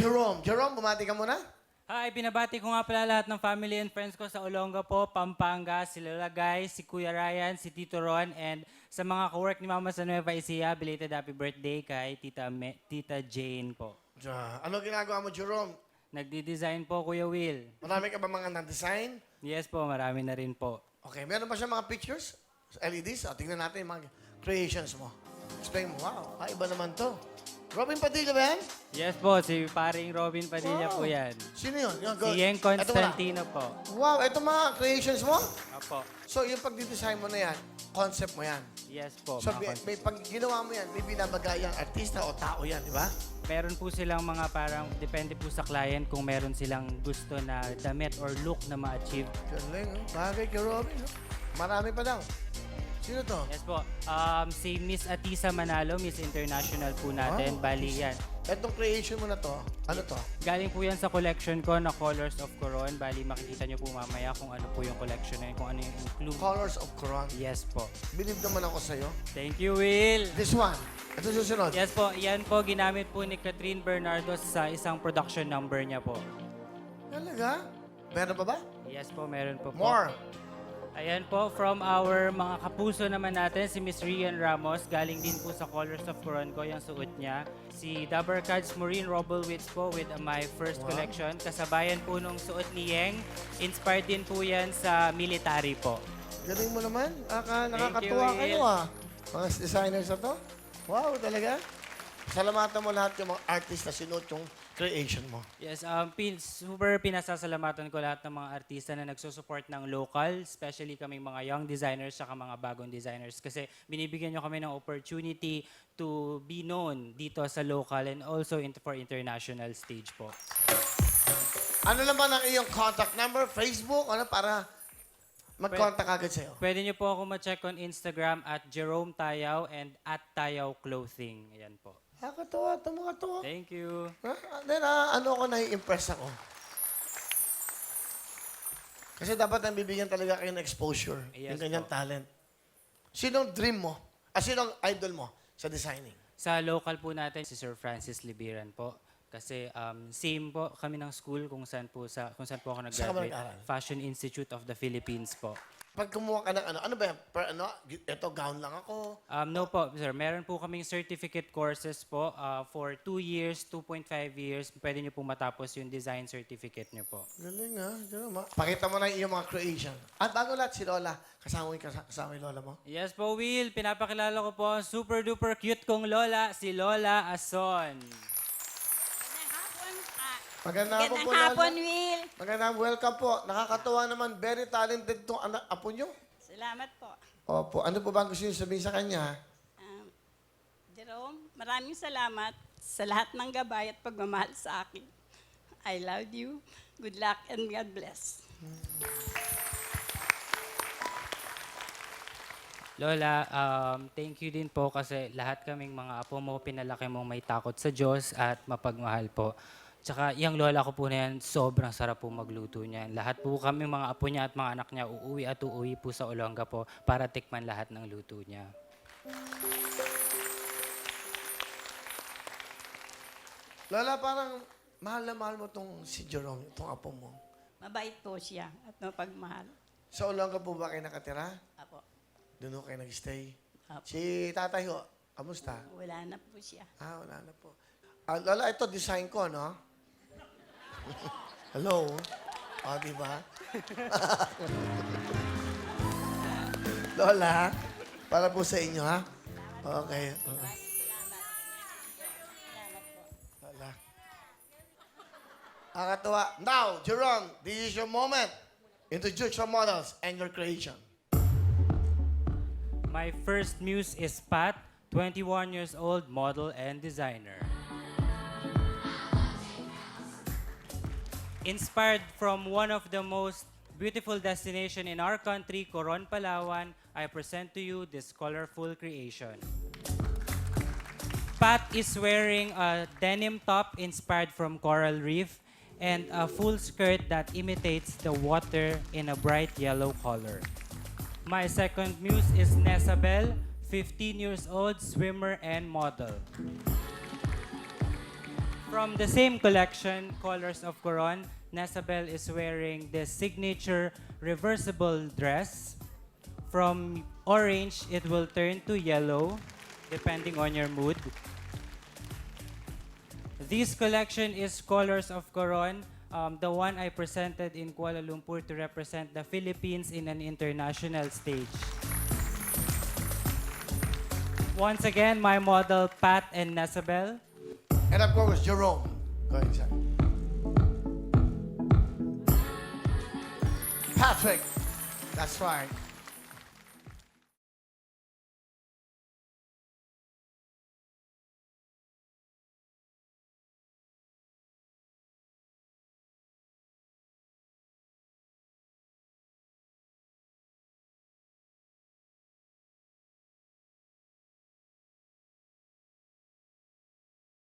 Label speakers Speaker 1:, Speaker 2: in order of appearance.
Speaker 1: Jerome. Jerome, bumati ka muna.
Speaker 2: Hi, binabati ko nga pala lahat ng family and friends ko sa Olongapo, Pampanga, si Lola Guy, si Kuya Ryan, si Tito Ron, and sa mga kawork ni Mama sa Nueva Ecija, belated happy birthday kay Tita Jane po.
Speaker 1: Ano ginagawa mo, Jerome?
Speaker 2: Nagdi-design po, Kuya Will.
Speaker 1: Marami ka ba mga na-design?
Speaker 2: Yes po, marami na rin po.
Speaker 1: Okay, meron ba siya mga pictures? LEDs? O, tingnan natin yung mga creations mo. Explain mo. Wow, iba naman to. Robin Padilla ba yan?
Speaker 2: Yes po, si paring Robin Padilla po yan.
Speaker 1: Sino yun?
Speaker 2: Si Yeng Constantino po.
Speaker 1: Wow, ito mga creations mo?
Speaker 2: Opo.
Speaker 1: So, yung pag-design mo na yan, concept mo yan.
Speaker 2: Yes po,
Speaker 1: So,
Speaker 2: mga
Speaker 1: may pag ginawa mo yan, may binabagayang artista o tao yan, di ba?
Speaker 2: Meron po silang mga parang, depende po sa client kung meron silang gusto na damit or look na ma-achieve.
Speaker 1: Galing, oh. Bagay kay Robin. Oh. Marami pa daw. Sino to?
Speaker 2: Yes po. Si Miss Atisa Manalo, Miss International po natin.
Speaker 1: Wow.
Speaker 2: Bali yan.
Speaker 1: Etong creation mo na to, ano to?
Speaker 2: Galing po yan sa collection ko na Colors of Coron. Bali, makikita nyo po mamaya kung ano po yung collection na yun, kung ano yung include.
Speaker 1: Colors of Quran.
Speaker 2: Yes po.
Speaker 1: Believe naman ako sa'yo.
Speaker 2: Thank you, Will.
Speaker 1: This one. Ito susunod.
Speaker 2: Yes po, yan po ginamit po ni Catherine Bernardo sa isang production number niya po.
Speaker 1: Talaga? Meron pa ba?
Speaker 2: Yes po, meron po.
Speaker 1: More.
Speaker 2: Ayan po, from our mga kapuso naman natin, si Miss Rian Ramos, galing din po sa Colors of Coron ko, yung suot niya. Si Dabber Cards Maureen Robelwitz po with my first collection. Kasabayan po nung suot ni Yeng. Inspired din po yan sa military po.
Speaker 1: Galing mo naman. Nakakatuwa
Speaker 2: Will.
Speaker 1: kayo ah. Mga designers na to. Wow, talaga. Salamatan mo lahat yung mga artist na sinuot yung creation mo.
Speaker 2: Yes, super pinasasalamatan ko lahat ng mga artista na nagsusupport ng local, especially kaming mga young designers at mga bagong designers kasi binibigyan nyo kami ng opportunity to be known dito sa local and also for international stage po.
Speaker 1: Ano naman ang iyong contact number, Facebook, ano para mag-contact agad sa'yo?
Speaker 2: Pwede nyo po ako ma-check on Instagram at Jerome Tayaw and at Tayaw Clothing. Ayan po.
Speaker 1: Nakakatuwa ito mga to.
Speaker 2: Thank you.
Speaker 1: Then, ano ako, nai-impress ako. Kasi dapat nang bibigyan talaga kayo ng exposure.
Speaker 2: Yes
Speaker 1: yung kanyang
Speaker 2: po.
Speaker 1: talent. Sinong dream mo? Sinong idol mo sa designing?
Speaker 2: Sa local po natin, si Sir Francis Libiran po. Kasi same po kami ng school kung saan po ako
Speaker 1: Saan ka ba
Speaker 2: nag-graduate.
Speaker 1: nag-aral?
Speaker 2: Fashion Institute of the Philippines po.
Speaker 1: Pag kumuha ka ng ano ba yan? Ito, gown lang ako.
Speaker 2: No po, sir. Meron po kaming certificate courses po for 2 years, 2.5 years. Pwede nyo po matapos yung design certificate nyo po.
Speaker 1: Galing ha. Pakita mo na yung iyong mga creation. At bago lahat, si Lola. Kasama yung Lola mo?
Speaker 2: Yes po, Will. Pinapakilala ko po ang super duper cute kong lola, si Lola Ason.
Speaker 1: Magandang hapon po,
Speaker 3: Magandang hapon,
Speaker 1: Lola.
Speaker 3: Will.
Speaker 1: Magandang welcome po. Nakakatuwa naman. Very talented tong apo nyo.
Speaker 3: Salamat po.
Speaker 1: Opo. Ano po ba ang gusto nyo sabihin sa kanya?
Speaker 3: Jerome, maraming salamat sa lahat ng gabay at pagmamahal sa akin. I love you. Good luck and God bless.
Speaker 2: Lola, thank you din po kasi lahat kaming mga apo mo, pinalaki mong may takot sa Diyos at mapagmahal po. Tsaka yung lola ko po na yan, sobrang sarap po magluto niyan. Lahat po kami mga apo niya at mga anak niya uuwi po sa Olonga po para tikman lahat ng luto niya.
Speaker 1: Lola, parang mahal na mahal mo tong si Jerome, itong apo mo.
Speaker 3: Mabait po siya at mapagmahal.
Speaker 1: Sa Olonga po ba kayo nakatira?
Speaker 3: Apo.
Speaker 1: Doon ho kayo nag-stay?
Speaker 3: Apo.
Speaker 1: Si tatay ho, kamusta?
Speaker 3: Wala na po siya.
Speaker 1: Wala na po. Lola, ito design ko, no? Hello? Di ba? Lola, para po sa inyo, ha? Okay. Lola. Nakakatuwa. Now, Jerome, this is your moment. Introduce your models and your creation.
Speaker 2: My first muse is Pat, 21 years old, model and designer. Inspired from one of the most beautiful destination in our country, Coron, Palawan, I present to you this colorful creation. Pat is wearing a denim top inspired from coral reef and a full skirt that imitates the water in a bright yellow color. My second muse is Nesabel, 15 years old, swimmer and model. From the same collection, Colors of Coron, Nasabel is wearing the signature reversible dress. From orange, it will turn to yellow, depending on your mood. This collection is Colors of Coron, the one I presented in Kuala Lumpur to represent the Philippines in an international stage. Once again, my model, Pat and Nasabel.
Speaker 1: And of course, Jerome. Go ahead, sir. Patrick. That's right.